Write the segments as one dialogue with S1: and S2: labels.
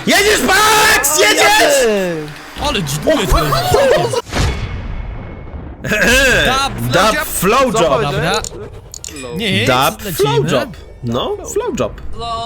S1: Jedziesz, Max! Jedziesz!
S2: Ale dziduje tutaj.
S1: Dub flow job.
S2: Dobra. Nie,
S1: Dub flow
S2: lecimy.
S1: job. No, flow job.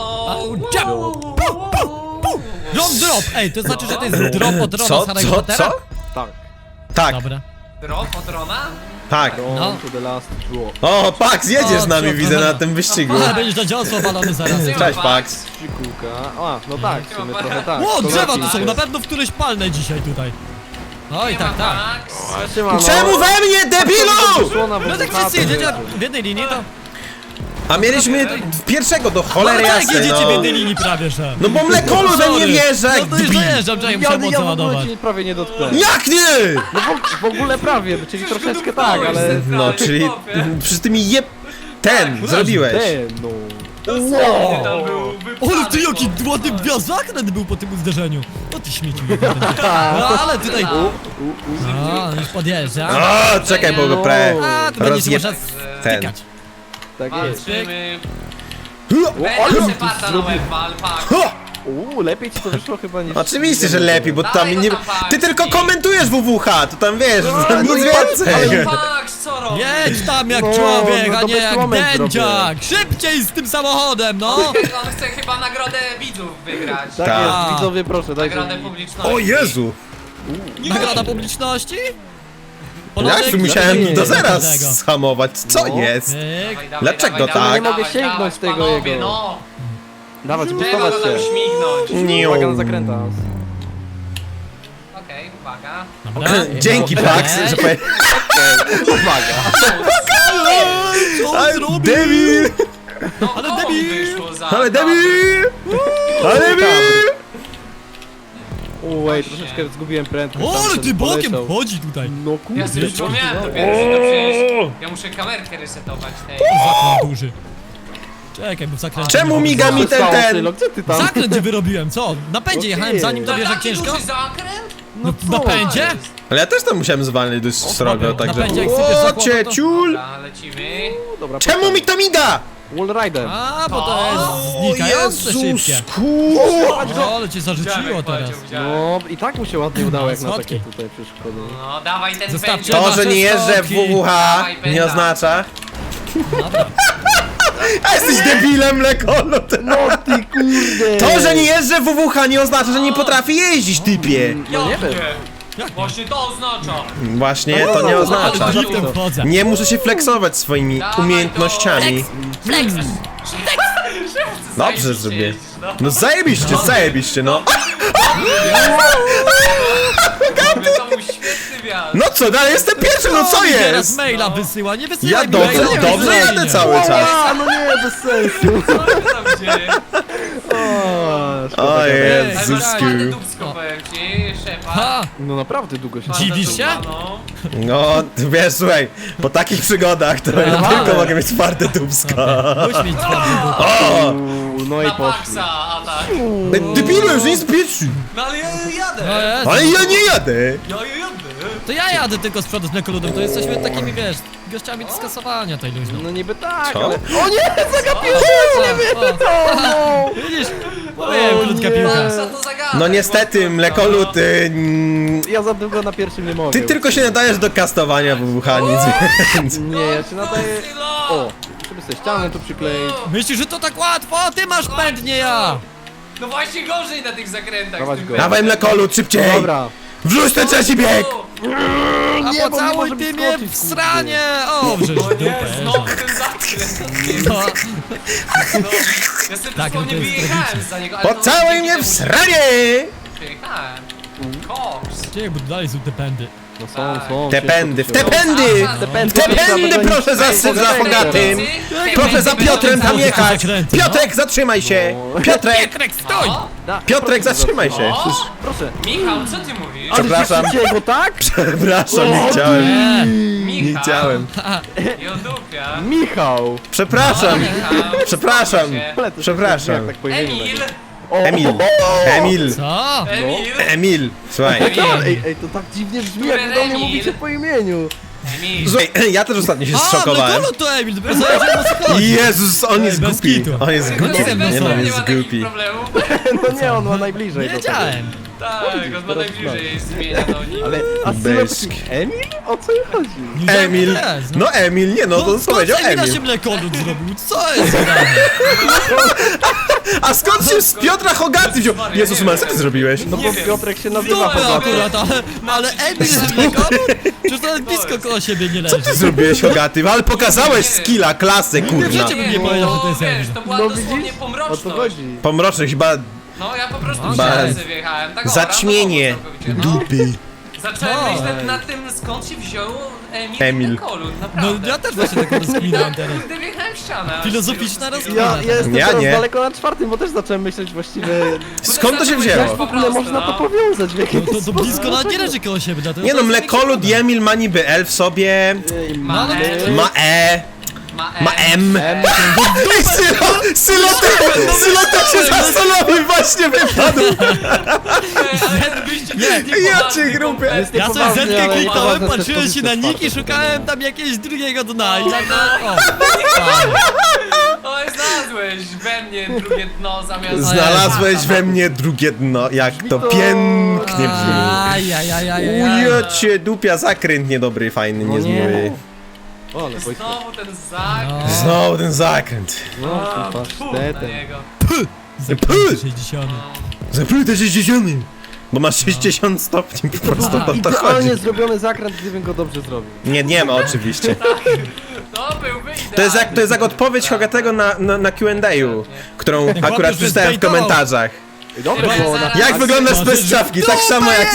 S2: Drop, drop! Ej, to znaczy, że to jest drop od Rona
S1: Co?
S2: z Harry'ego
S1: Co?
S2: Pottera?
S1: Co?
S3: Tak.
S1: Tak,
S2: Dobra.
S4: Drop od Rona?
S1: tak.
S2: No.
S3: To the last drop.
S1: O, Pax, jedziesz
S2: O,
S1: z nami,
S2: co,
S1: widzę
S2: to-
S1: na tym wyścigu.
S2: Ale będziesz na dziosło walony zaraz.
S1: Cześć, Pax.
S3: Pikułka. A, no tak, w sumie trochę tak.
S2: O,
S3: To
S2: drzewa
S3: lepiej.
S2: tu są, na pewno w któreś palne dzisiaj tutaj. Oj, tak, tak.
S4: Max.
S3: Siemano.
S1: Czemu we mnie, debilu?
S3: Słona
S2: No tak wszyscy jedziecie w jednej linii, to...
S1: A mieliśmy pierwszego do cholery
S2: No tak,
S1: jasnej,
S2: jedziecie w
S1: no.
S2: jednej linii prawie, że...
S1: No bo mlekolu we mnie wjeżdża,
S2: No
S1: jak
S2: to już
S1: debil.
S2: dojeżdżam, czekaj, muszę
S3: Ja
S2: mocno
S3: w ogóle
S2: ładować.
S3: cię prawie nie dotknąłem.
S1: Jak nie?
S3: No w ogóle prawie, czyli troszeczkę tak, ale...
S1: No, czyli przy tymi ten zrobiłeś.
S3: No.
S4: Tam był
S2: Ale ty jaki ładny gwiazdakręt był po tym uderzeniu. O ty śmieci. No ale tutaj... A, już podjeżdża.
S1: O, czekaj, bo go prawie
S2: A, tu będzie się
S1: rozjeb...
S2: można
S1: ten.
S2: stykać.
S3: Tak jest.
S4: Walczymy.
S3: ale
S4: Będzie
S3: ty
S4: Separda na
S3: zrobił.
S4: łeb wal, pak.
S3: Lepiej ci to wyszło chyba niż...
S1: Oczywiście, że lepiej, bo tam nie... Ty tylko komentujesz WWH, to tam wiesz, nic więcej.
S4: Ale Max, co robisz?
S2: Jedź tam jak
S3: No,
S2: człowiek,
S3: no
S2: a
S3: to
S2: nie
S3: bez
S2: jak
S3: moment
S2: dędziak! Szybciej z tym samochodem, no!
S4: On chce chyba nagrodę widzów wygrać.
S3: Tak
S1: Tak.
S3: jest, widzowie proszę, dajcie
S4: Nagrodę
S3: mi...
S4: publiczności.
S1: O Jezu!
S2: Nagroda publiczności?
S1: Ja tu musiałem
S3: nie,
S1: do zera
S2: tego.
S1: schamować, co
S3: No.
S1: jest?
S2: Pyk.
S4: Dawaj, dawaj,
S1: Dlaczego
S4: dawaj,
S1: tak?
S4: dawaj,
S3: Nie mogę
S4: dawaj,
S3: sięgnąć
S4: dawaj,
S3: tego
S4: panowie,
S3: jego.
S4: no.
S3: Dawać,
S4: Trzeba
S3: bustować
S4: go tam
S3: się.
S4: śmignąć.
S1: Niu.
S3: Uwaga na zakręta.
S4: Okej, uwaga.
S2: Dobra.
S1: Dzięki,
S2: Okej.
S1: Pax, że powiem...
S3: Uwaga.
S2: Co on
S1: Ale
S2: zrobił?
S1: debil!
S4: No,
S2: Ale
S4: komu
S2: debil.
S4: wyszło za...
S1: Ale debil! Ale debil!
S3: Uej, troszeczkę zgubiłem prędkość.
S2: O,
S3: tam
S2: ale
S3: ten
S2: ty bokiem
S3: poleciał.
S2: chodzi tutaj.
S3: No kurde.
S4: Ja sobie przypomniałem dopiero, że to przecież... Ja muszę kamerkę resetować tej.
S2: Zakręt duży. Czekaj, bo w zakręcie...
S1: Czemu miga mi ten?
S3: Sylo, gdzie ty tam?
S2: Zakręt gdzie wyrobiłem, co? Na pędzie jechałem zanim to wiesz jak
S4: Taki
S2: ciężko?
S4: duży zakręt?
S2: No, na pędzie?
S1: Ale ja też tam musiałem zwalniać dość srogo, także...
S2: Napędzie, jak sypiesz
S1: O,
S2: zakład,
S1: cię,
S2: to-
S1: ciul!
S4: Dobra, lecimy.
S3: Dobra,
S1: Czemu mi to miga?
S3: Wallrider.
S2: A, bo to jest znikające szybkie.
S1: Jezusku!
S2: O, ale cię zarzuciło teraz.
S3: No i tak mu się ładnie udało jak na
S2: Słodki.
S3: takie tutaj przeszkody.
S4: No, dawaj ten
S2: Zostawcie
S4: pędzel.
S1: To, że nie jeżdżę w WWH, nie oznacza...
S2: Dobra.
S1: A jesteś debilem, Lekolu!
S3: No ty kurde!
S1: To, że nie jeżdżę w WWH nie oznacza, że nie potrafię jeździć, typie!
S4: Ja
S3: nie wiem.
S4: Właśnie to oznacza.
S1: Właśnie to nie oznacza.
S2: Ale driftem wchodzę.
S1: Nie muszę się flexować swoimi
S4: Dawaj
S1: umiejętnościami. Dobrze zrobię. No zajebiście, zajebiście, no.
S4: To był świetny wjazd.
S1: No co, dalej jestem pierwszy, no co
S2: Teraz
S1: jest?
S2: maila wysyła, nie wysyłaj
S1: Ja
S2: mi
S1: dobrze,
S2: maila,
S1: dobrze
S2: wysyłaj
S1: jadę
S2: mnie.
S1: cały czas.
S3: A, no nie, bez sensu.
S4: Co tam dzieje?
S1: O
S4: Ale
S1: Jezusku.
S4: ładne dupsko, powiem ci, szefa.
S2: Ha!
S3: No naprawdę długo się...
S2: Dziwisz się?
S4: No.
S1: No, wiesz, słuchaj, po takich przygodach to ja tylko mogę mieć twarde dubsko.
S2: Muś mieć twardy dupę.
S1: O!
S3: No i
S4: Na
S3: poszli.
S4: Maxa atak.
S1: Debilu, już nie spieszy.
S4: No ale ja jadę.
S2: No jest.
S1: Ale ja nie jadę.
S4: Ja jadę.
S2: To ja jadę tylko z przodu z mlekoludem, to jesteśmy takimi, wiesz, gościami do skasowania tej luźno.
S3: No niby tak,
S1: Co?
S3: ale... O nie, zagapiłem!
S2: O, widzisz? Mówiłem, krótka piłka.
S4: Maxa to zagadaj.
S1: No niestety, Mlekolu, ty...
S3: Ja za długo na pierwszym nie mogę.
S1: Ty tylko się nadajesz do kastowania WWH, nic więcej.
S3: Nie, ja się nadaję... O, żeby sobie ścianę tu przykleić.
S2: Myślisz, że to tak łatwo? Ty masz pęd, nie ja!
S4: No właśnie gorzej na tych zakrętach.
S3: Dawać
S4: z tym
S3: go.
S1: Dawaj, Mlekolu, szybciej!
S3: Dobra.
S1: Wrzuć ten trzeci bieg!
S2: A
S3: Nie, bo nie
S2: pocałuj
S3: może
S2: ty
S3: mi
S2: mnie
S3: skoczyć,
S2: w sranie! O, wrzyż
S4: O nie,
S2: dupę.
S4: znowu ten zakręt.
S2: No,
S4: No, ja sobie
S2: Tak,
S4: dosłownie
S2: no to jest
S4: wyjechałem za niego. ale
S1: Pocałuj
S4: dzięki
S1: mnie w
S4: temu, że
S1: sranie!
S4: Przyjechałem. Koks.
S2: Czekaj, bo dalej są te pędy.
S3: No są.
S1: Te pędy, w te
S3: ciężko
S1: pędy! W te pędy proszę za Hogatym! Proszę za Piotrem tam jechać! Piotrek, zatrzymaj się! Piotrek!
S2: Pietrek, stój!
S1: Piotrek, zatrzymaj się!
S4: O!
S3: Proszę.
S4: Michał, co ty mówisz?
S1: Przepraszam.
S3: Go tak?
S1: Przepraszam, nie chciałem.
S2: Nie,
S4: Michał.
S1: Nie chciałem.
S4: Jodupia.
S3: Michał.
S1: Przepraszam.
S4: Michał.
S1: Przepraszam.
S3: Plecy się
S1: Przepraszam.
S3: jak tak po imieniu
S4: Emil.
S3: nagle.
S1: Emil. Emil.
S2: co?
S4: Emil.
S1: Emil. Słuchaj.
S3: Ej, to tak dziwnie brzmi, jak
S4: Który
S3: do mnie
S4: Emil?
S3: mówicie po imieniu.
S4: Emil.
S1: Słuchaj, ja też ostatnio się
S2: A,
S1: zszokowałem.
S2: no to Emil, dopiero zauważyłem, o co chodzi.
S1: Jezus, on jest
S2: bez
S1: głupi.
S2: kitu.
S1: On jest głupi.
S2: wiem, no
S1: Nie
S2: co.
S1: no,
S4: nie
S1: jest
S4: ma takich
S1: głupi.
S4: problemów.
S3: No nie, on ma najbliżej
S2: Nie
S3: do tego.
S2: wiedziałem.
S4: Tak, on ma najbliżej jest imienia do nich.
S3: Ale, a
S1: Bez-
S3: Sylo, Emil? O co chodzi?
S2: Nie wiedziałem,
S1: Emil.
S2: kto to jest,
S1: No Emil, nie no, to
S2: skąd
S1: powiedział
S2: z Emila się
S1: Emil.
S2: mlekolud zrobił? Co jest grane?
S1: A skąd się z Piotra Hogaty wziął? Jezus, man, co ty zrobiłeś?
S3: No
S4: Nie
S3: bo
S4: wiem.
S3: Piotrek się
S2: No
S3: nazywa
S2: ja
S3: Hogaty.
S2: akurat, ale Emil jest mlekolud? Przecież to nawet blisko koło siebie nie leży.
S1: Co ty zrobiłeś, Hogaty? Ale pokazałeś skilla, klasę, kurna.
S2: Wiecie, bym nie powiedział, że to jest
S4: wiesz,
S2: Emil.
S4: to była
S3: No
S4: dosłownie
S3: widzisz? O co
S4: pomroczność.
S3: chodzi?
S1: Pomroczny chyba
S4: No ja po prostu
S2: Ba-
S4: myślałem, że wjechałem. Tak, o,
S1: zaćmienie
S4: randomowo całkowicie.
S1: dupy.
S4: Zacząłem
S2: No.
S4: myśleć nad tym, skąd się wziął
S1: Emil.
S4: Kolut,
S2: No
S4: naprawdę.
S2: ja też właśnie tak rozkminam teraz.
S4: Kurde, wjechałem w ścianę.
S2: Filozoficzna
S3: Ja jestem
S1: Ja
S3: teraz
S1: nie.
S3: daleko na czwartym, bo też zacząłem myśleć właściwie,
S1: Skąd to się
S3: jak
S1: wzięło?
S3: w ogóle można to powiązać w jakiś
S2: No to blisko nawet nie leży koło siebie, dlatego
S1: Nie no,
S2: to jest
S1: Mlekolud i Emil ma niby L w sobie,
S4: Ma
S2: No, ale-
S1: ma E, ma M. Ej, Sylo też się zastanowił, właśnie wypadł. Ja cię grubię.
S2: Ja sobie
S3: Poważnie,
S2: zetkę
S3: ale
S2: kliknąłem,
S3: poważne
S2: patrzyłem
S3: też
S2: się na
S3: powiedz,
S2: nick i
S3: to
S2: szukałem tam jakiegoś drugiego dna i tak o.
S4: Oj, znalazłeś we mnie drugie dno zamiast...
S1: Znalazłeś we mnie drugie dno, jak to pięknie brzmi.
S2: Ajajajajaj.
S1: Ujocie, dupia, zakręt niedobry, fajny,
S3: No nie.
S1: niezły.
S3: O, ale Wojtek,
S4: Znowu ten zak.
S2: No.
S1: Znowu ten zakręt.
S3: no tym
S4: Na
S3: pasztetem.
S4: niego.
S2: Zakręty 60.
S1: Zapluj 60. Bo masz 60 stopni, po prostu o to chodzi.
S3: Idealnie zrobiony zakręt, gdybym go dobrze zrobił.
S1: Nie ma oczywiście.
S4: To byłby idealny.
S1: To jest jak odpowiedź Hogatego na Q&A, którą akurat
S2: chłopiec
S1: przeczytałem w
S2: zbejtował.
S1: komentarzach.
S3: Dobre
S4: Ja
S3: było na...
S4: zaraz-
S1: Jak wyglądasz bez czapki? Tak samo jak...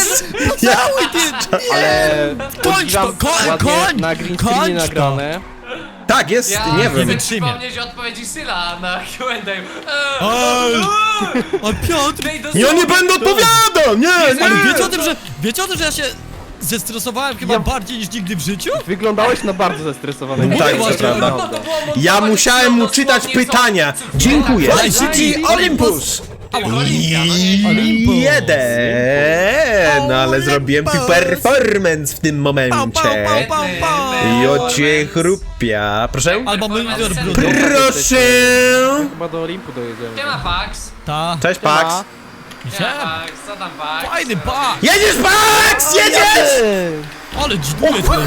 S3: Ale...
S2: Kończ to, koń!
S3: Na green
S2: Kończ
S3: screenie
S2: to.
S3: nagrane.
S1: Tak, jest,
S4: Ja
S1: nie
S4: chcę
S1: wiem.
S2: wytrzymie.
S4: przypomnieć odpowiedzi Syla na Q&A.
S2: Ej! A Piotr!
S1: Ja nie będę odpowiadał! Nie,
S2: Ale
S1: nie!
S2: wiecie o tym, że ja się zestresowałem chyba
S3: Ja-
S2: bardziej niż nigdy w życiu?
S3: Wyglądałeś na bardzo zestresowanego.
S1: Tak,
S2: właśnie,
S1: to prawda.
S4: No, to było
S1: Ja
S4: montować
S1: musiałem mu
S4: dosłownie
S1: czytać
S4: co-
S1: pytania.
S4: co-
S1: Dziękuję.
S4: tak,
S1: ICT Olympus!
S4: Tylko Olimpia, no nie.
S2: Olympus.
S1: Jeden, ale zrobiłem
S2: Olympus.
S1: performance w tym momencie. Jocie chrupia. Proszę?
S2: Albo Mylder Bruno.
S1: Proszę!
S3: Chyba do Olimpu dojedziemy.
S4: Siema Pax.
S2: Ta.
S1: Cześć, Pax.
S4: Siema
S2: Siema.
S4: Pax, co tam Pax?
S2: Fajny bak!
S1: Jedziesz, Pax! Jedziesz!
S2: Ale dziduje tutaj.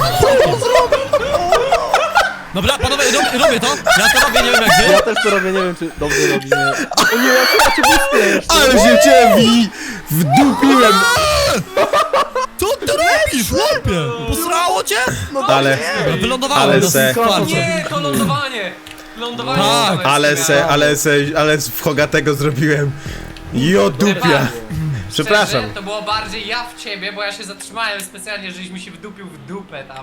S2: Dobra, panowie, robię to. Ja to robię, nie wiem jak
S3: Ja
S2: wy.
S3: też to robię, nie wiem czy dobrze robimy. O nie, ja cię wyspię jeszcze.
S1: Ale się ciebie wdupiłem.
S2: Co ty robisz, chłopie? Posrało cię?
S1: Ale,
S2: Dobra, wylądowałem
S1: Ale
S2: na
S1: se-
S2: skwarcie.
S4: Nie, to lądowanie. Lądowanie.
S2: Tak,
S4: lądowanie.
S1: ale w Hogatego zrobiłem. Jo dupia. Przepraszam.
S4: Szczerze, to było bardziej ja w ciebie, bo ja się zatrzymałem specjalnie, żeś mi się wdupił w dupę tam.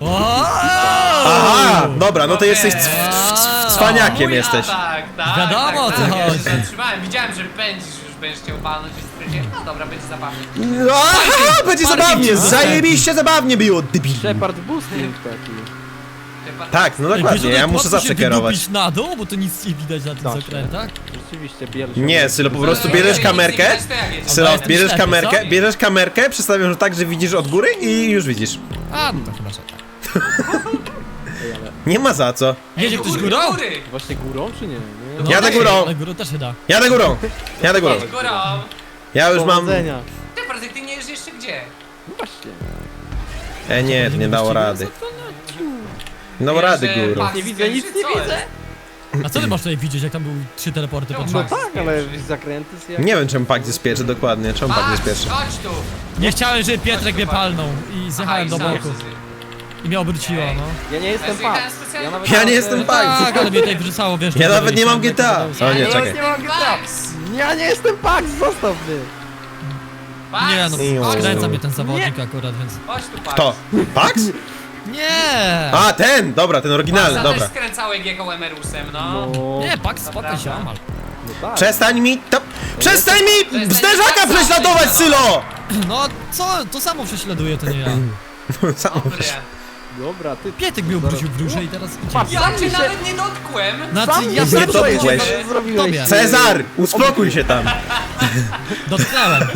S1: Aha, dobra, no to jesteś cwaniakiem
S4: Mój
S1: jesteś.
S4: atak, tak,
S2: Wiadomo, o co
S4: tak, ja się
S2: chodzi.
S4: zatrzymałem, widziałem, że pędzisz, już będziesz chciał palnąć i stwierdziłem, no dobra, będzie zabawnie.
S1: Aha, będzie zabawnie,
S2: cię
S1: zajebiście zabawnie było, debil.
S3: Shepard boosting taki.
S1: Tak, no
S2: Ej,
S1: dokładnie,
S2: wiesz,
S1: ja
S2: że
S1: muszę
S2: łatwo
S1: zawsze
S2: się
S1: kierować.
S2: wydupić na dół, bo to nic nie widać na tych
S3: Tak.
S2: zakrętach.
S3: Rzeczywiście, bierze
S1: Nie, Sylo, po prostu bierzesz kamerkę, Sylo,
S2: jestem
S1: bierzesz
S2: ślepy,
S1: kamerkę,
S2: co?
S1: bierzesz kamerkę, przestawiasz tak, że widzisz od góry i już widzisz.
S2: A, no to chyba że tak.
S1: Nie ma za co.
S2: Jedzie ktoś górą?
S3: Właśnie górą czy nie?
S2: No,
S3: Nie.
S1: Jadę
S2: tak,
S1: górą.
S2: Ale górą też się da.
S1: Jadę górą, jadę górą.
S4: Górą.
S1: Ja już mam...
S3: Powodzenia.
S4: Ty, Bartek, ty nie jedziesz jeszcze gdzie?
S3: No właśnie.
S1: Nie, to nie dało rady. Nie dało rady
S4: Że
S1: górą.
S4: Pax
S3: Nie widzę, nic
S4: skręci,
S3: nie
S4: co
S3: widzę.
S4: jest?
S2: A co ty masz tutaj widzieć, jak tam były 3 teleporty pod
S3: No
S2: rząd?
S3: tak, ale zakręty jak...
S1: Nie wiem, czemu Pax jest pierwszy dokładnie, czemu Pax jest
S4: Pax,
S1: pierwszy.
S4: chodź tu.
S2: Nie chciałem, żeby Pietrek mnie palnął i zjechałem do
S4: Aha, i
S2: boku.
S4: sam
S2: I mnie obróciło, no.
S3: Ja nie jestem
S4: zjechałem
S3: Pax.
S4: specjalnie.
S3: Ja nawet
S1: Ja nie
S3: mam,
S1: jestem
S3: e,
S1: Pax.
S2: Tak, ale mnie tutaj wrzucało, wiesz.
S1: Ja
S2: do
S1: nawet nie mam
S2: góry.
S1: GTA. O nie,
S4: Ja
S1: czekaj.
S3: nie mam
S4: Pax.
S3: Ja nie jestem Pax, zostaw mnie.
S4: Pax.
S2: Nie no,
S1: Chodź
S2: skręca
S1: tu.
S2: mnie ten zawodnik akurat, więc...
S4: Chodź tu, Pax.
S1: To. Pax?
S2: Nie!
S1: A, ten, dobra, ten oryginalny,
S4: Paxa
S1: dobra.
S4: też skręcałeś jechał Emerusem, no.
S3: No,
S2: Nie, Pax, spokój się, Amal.
S3: no tak.
S1: Przestań mi to... Przestań mi zderzaka prześladować, Sylo!
S2: No, co? To samo prześladuje, to nie ja.
S4: Dobre.
S3: Dobra, ty...
S2: Pietek mnie obrócił w duszę i teraz
S3: Patrz,
S2: idzie.
S4: Ja
S3: Sam
S4: cię
S3: mi się-
S4: nawet nie dotkłem.
S2: Znaczy,
S3: Sam
S2: ja
S3: nie
S2: sam
S1: dotkłeś.
S2: sobie
S3: zrobiłeś.
S2: Tobie.
S1: Cezar, uspokój się tam.
S2: dotknąłem.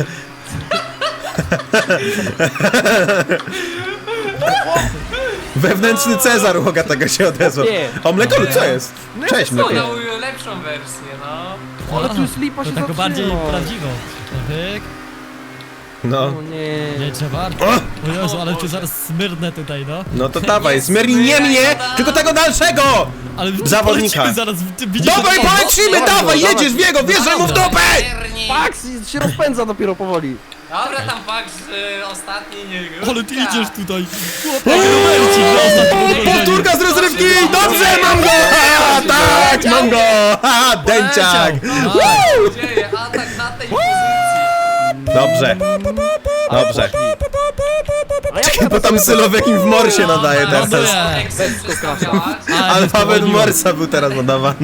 S1: Wewnętrzny Cezar u Hogatego się odezwał.
S3: Nie.
S1: O, Mlekolu, co jest? Cześć,
S4: Co,
S1: Mlekolu.
S4: dał lepszą wersję, no.
S3: Ale tu już lipa
S2: To
S3: się
S2: taką bardziej
S3: zatrzymał.
S2: prawdziwą. Pyk.
S1: No.
S3: O nie.
S2: Nie trzeba.
S1: O!
S2: O Jezu, ale cię zaraz smyrnę tutaj, no.
S1: No to dawaj, zmierli nie mnie, tylko tego dalszego!
S2: Ale
S1: Zawodnika.
S2: polecimy zaraz, ty widzisz...
S1: Dawaj,
S2: o,
S1: polecimy,
S3: dawaj,
S1: dawaj,
S3: dawaj.
S1: jedziesz w jego, wjeżdżaj mu w dupę!
S4: Czerni.
S3: Pax się rozpędza dopiero powoli.
S4: Dobra, tam fakt, że ostatni nie...
S2: Ale ty idziesz tutaj. Chłopak, Robercik, no, ostatnio podwożenie.
S1: Powtórka z rozrywki! Dobrze, mam go! Ha, tak, mam go! Ha, dęciak!
S2: Poleciał.
S4: Dzieje, atak na tej pozycji.
S1: Dobrze, dobrze.
S3: A ja
S1: Czekaj, bo tam Sylo w jakim w morsie nadaje teraz.
S2: Ląduje.
S4: Excel przedstawiałaś.
S1: Alfabet Morsa był teraz nadawany.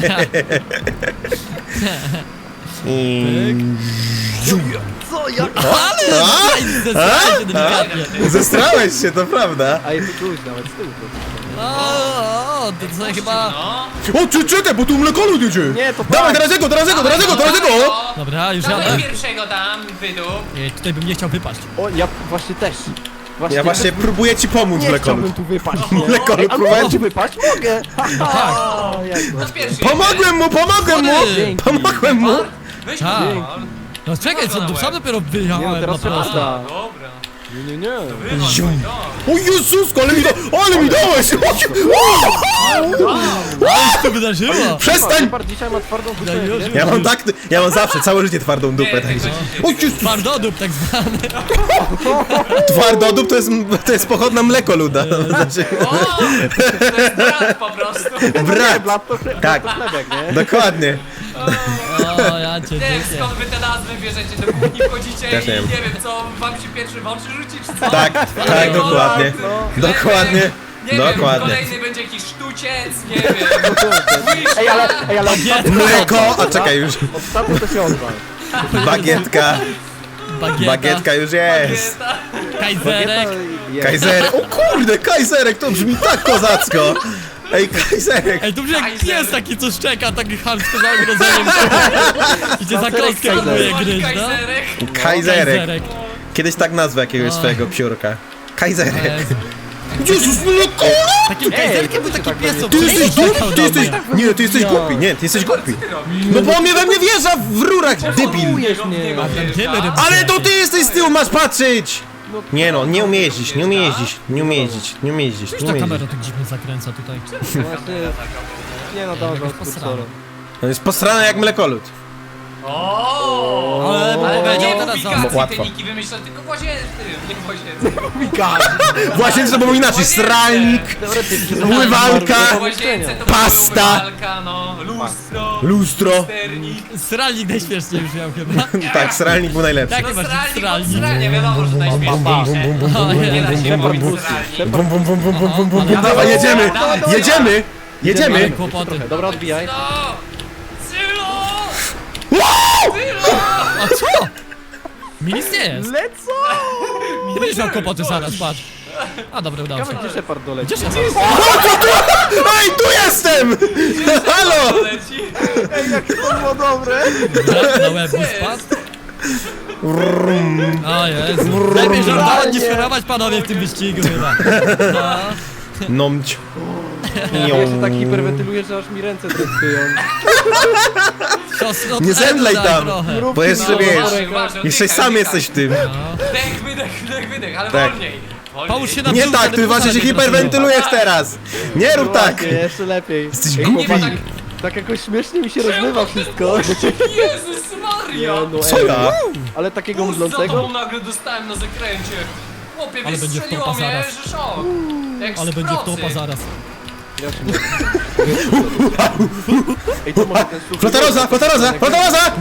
S3: Co? Jak?
S2: Ale zesraj się delikatnie.
S1: Zestrałeś się, to prawda.
S3: A jest tu nawet z tyłu.
S2: O, to co chyba...
S4: No.
S1: O, czekaj, bo tu Mlekolu jedzie.
S3: Nie, to
S1: Dawaj,
S3: Pax.
S1: teraz jego, teraz jego, teraz jego, teraz jego!
S2: Dobra, już
S4: Dawaj
S2: jadę.
S4: pierwszego tam, wydup.
S2: Ej, tutaj bym nie chciał wypaść.
S3: O, ja właśnie też.
S1: Ja właśnie próbuję ci pomóc,
S3: nie
S1: Mlekolu.
S3: chciałbym tu wypaść. Nie.
S1: Mlekolu,
S3: Ej, ale
S1: próbuję
S3: mogę
S1: ci...
S3: wypaść? Mogę.
S2: tak.
S3: O, jak
S4: No
S3: to?
S4: pierwszy.
S1: Pomogłem mu, pomogłem mu!
S3: Dzięki.
S1: Pomogłem mu!
S4: Weź
S2: Tak.
S4: go.
S2: No czekaj, co, sam dopiero
S3: Nie, no
S2: wyjechałem na
S3: teraz
S2: prosto.
S3: prosta.
S4: Dobra.
S3: Nie, nie, nie.
S1: Zium. O Jezusko, ale mi dałeś!
S2: Ale to wydarzyło.
S1: Przestań!
S3: Shepard dzisiaj ma twardą dupę.
S2: Ja już-
S3: nie?
S1: Ja mam zawsze, całe życie twardą dupę, także... O Jezus!
S2: Twardodób tak zwany.
S1: Twardodup to jest pochodna mlekoluda. Znaczy,
S4: O! To jest brat po prostu.
S1: brat!
S3: Blat to chleb,
S1: Tak.
S3: to chlebek, nie?
S1: Dokładnie.
S2: O, ja cię
S4: Nie wiem
S2: dziękuję.
S4: skąd wy te nazwy bierzecie, do kuchni wchodzicie
S1: Też nie
S4: i
S1: wiem.
S4: nie wiem co wam się pierwszy w oczy rzuci czy co?
S1: Tak, tak, dokładnie. Dokładnie.
S4: Nie wiem,
S1: Dokładnie.
S4: kolejny będzie jakiś sztuciec, nie wiem.
S3: Ej, ale ostatnio...
S1: Mleko, a czekaj już.
S3: Ostatnio to się odwal.
S1: Bagietka.
S2: Bagieta,
S1: Bagietka już jest.
S2: kajzerek.
S1: Kajzerek. O kurde, kajzerek, to brzmi tak kozacko. Ej, kajzerek.
S2: Ej, to brzmi jak
S4: Kajzerek.
S2: pies taki, co szczeka, taki chamsko za ogrodzeniem. I cię za kostkę próbuje gryźć, no?
S4: Kajzerek.
S1: Kajzerek. Kiedyś tak nazwę jakiegoś swojego piórka. Kajzerek. Jezus, mleko!
S2: Takim kajzerkiem był taki pies, co
S1: Ty jesteś
S2: szczekał
S1: głupi,
S2: na
S1: ty jesteś...
S2: mnie.
S1: Nie, ty jesteś głupi, nie, ty jesteś głupi. No bo on mnie we mnie wjeżdża w rurach, debil.
S3: Próbujesz mnie.
S1: Ale to ty jesteś z tyłu, masz patrzeć! Nie no, nie umie jeździć, nie umie jeździć, nie umie jeździć, nie umie jeździć,
S2: Już
S1: nie
S2: ta
S1: umie
S2: kamera
S1: jeździć.
S2: tak dziwnie zakręca tutaj.
S3: Właśnie... Nie no, dawaj,
S2: Jakoś
S3: z
S2: posrane.
S3: kursorem.
S1: On jest posrany jak mlekolud.
S4: O!
S2: Ale
S4: Ale
S2: powiedział
S4: nie
S2: teraz
S4: publikacji
S1: Łatwo.
S4: te niki wymyślał, tylko w łazience, nie w łazience.
S1: Właśnie to było inaczej, stralnik,
S3: Teoretycznie.
S1: Umywalka,
S4: W łazience to
S1: Pasta.
S4: była umywalka, no, lustro,
S1: lustro.
S4: sternik.
S2: Sralnik najśmieszniej już miał chyba.
S1: Tak, stralnik był najlepszy.
S2: Tak,
S4: No
S2: masz
S4: stralnik,
S2: stralnik.
S4: stralnie, wiadomo, że najśmieszniejsze. Nie da się mówić stralnik.
S1: Bum, bum, bum, bum, bum, bum, bum, bum. Dawaj, jedziemy, jedziemy,
S2: Ale
S1: jedziemy.
S2: kłopoty.
S3: Dobra, odbijaj.
S4: No! Sylo!
S2: A co? Mi nic nie jest.
S3: Lecą!
S2: Ty będziesz miał kłopoty zaraz, patrz. A dobra, udało się.
S3: Gdzie Shepard doleci?
S2: Gdzie się
S1: Ej, tu jestem! Halo!
S4: Leci.
S3: Ej, jak to było dobre!
S2: na łeb mu spadł? O Jezu. Lepiej żartować niż chorować, panowie, w tym wyścigu chyba. No.
S1: Nomć.
S3: Ja się tak hiperwentyluję, że aż mi ręce drętkują.
S2: Siostro,
S1: Nie zemdlej
S2: daj
S1: tam.
S2: trochę.
S1: Bo jeszcze wiesz,
S4: Uważaj,
S1: jeszcze
S4: oddychaj,
S1: sam
S4: oddychaj.
S1: jesteś w tym.
S4: Wdech, wydech, wydech, ale
S1: Tak.
S4: wolniej.
S2: Połóż się na
S1: Nie
S2: brzuchu,
S1: tak,
S2: wtedy
S1: ty właśnie się
S2: puszczaj
S1: hiperwentylujesz teraz. Nie rób tak.
S3: Właśnie, jeszcze lepiej.
S1: Jesteś
S3: Ej,
S1: głupi.
S3: chłopak, tak jakoś śmiesznie mi się rozmywa wszystko.
S4: Jezus Maria!
S3: no
S1: Co
S3: ej,
S1: ja?
S3: Ale takiego
S4: Bus za tobą
S3: mdlącego?
S4: nagle dostałem na zakręcie. Chłopie,
S2: Ale będzie
S4: wystrzeliło
S2: wtopa
S4: mnie,
S2: zaraz.
S4: że szok. Jak
S2: Ale
S4: z
S2: będzie
S4: procy.
S2: wtopa zaraz.
S3: Ej, to może ten suchy...
S1: Flotaroza, flotaroza, flotaroza!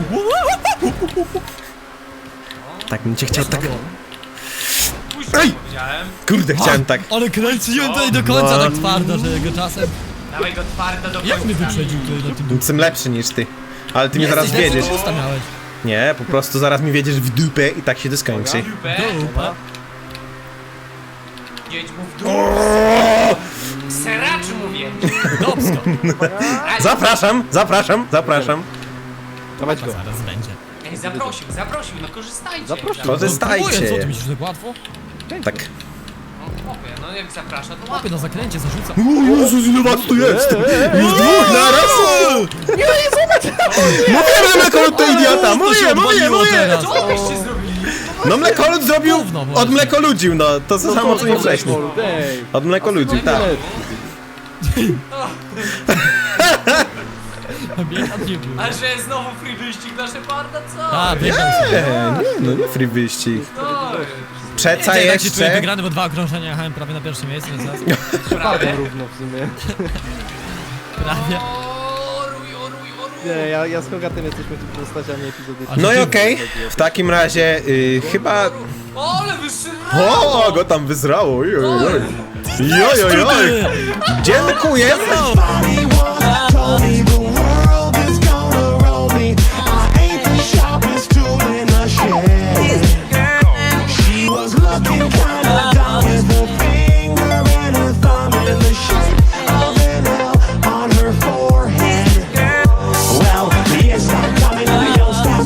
S1: Tak bym cię chciał tak...
S4: Puść,
S1: Ej!
S4: powiedziałem.
S1: Kurde, chciałem tak.
S2: Ale kręciłem tutaj do końca
S1: No.
S2: tak twardo, że go czasem...
S4: Dawaj go twardo do
S2: Jak mnie
S4: końca.
S2: wyprzedził tutaj na tym...
S1: Jestem lepszy niż ty. Ale ty mnie zaraz
S2: Jesteś
S1: wiedziesz.
S2: lepszy, usta miałeś.
S1: Nie, po prostu zaraz mi wiedziesz w dupę i tak się to skończy.
S4: Dupę.
S2: Dupa.
S4: Jedź mu w dół. Seracz mówię.
S2: Dobsko.
S1: Zapraszam, zapraszam, zapraszam.
S3: Dawać go.
S2: Zaraz będzie.
S4: Ej, zaprosił, no korzystajcie.
S3: Zaprosił.
S1: Korzystajcie.
S2: Co, ty myślisz, że tak łatwo?
S1: Tak.
S4: Chłopie, no jak zaprasza, to
S2: Łapie
S4: łapie.
S2: na zakręcie, zarzuca.
S1: O Jezus, ile was tu jest! Już dwóch naraz! Mówię, że Mlekolud to idiota! Mówię!
S2: teraz.
S4: Co byście zrobili?
S1: No Mlekolud zrobił...
S2: Gówno właśnie.
S1: Od mlekoludził, no. To co samo co nie wcześniej.
S3: Ej,
S1: Od mlekoludził, tak.
S2: Biegam nie był.
S4: A że znowu free wyścig na Sheparda, co?
S2: A, biegam sobie.
S1: No nie free wyścig.
S4: No,
S1: Przeca
S2: Tak się czuję
S1: jeszcze...
S2: wygrany, bo 2 okrążenia jechałem prawie na pierwszym miejscu, więc zaraz
S3: Bardzo równo w sumie.
S2: prawie.
S3: Nie, ja z Hogatem jesteśmy tu postaciami epizodycznymi.
S1: No i okej, w takim razie chyba...
S4: O, ale wystrzelało!
S1: O, go tam wyzrało, oj. Dziękuję!
S2: No.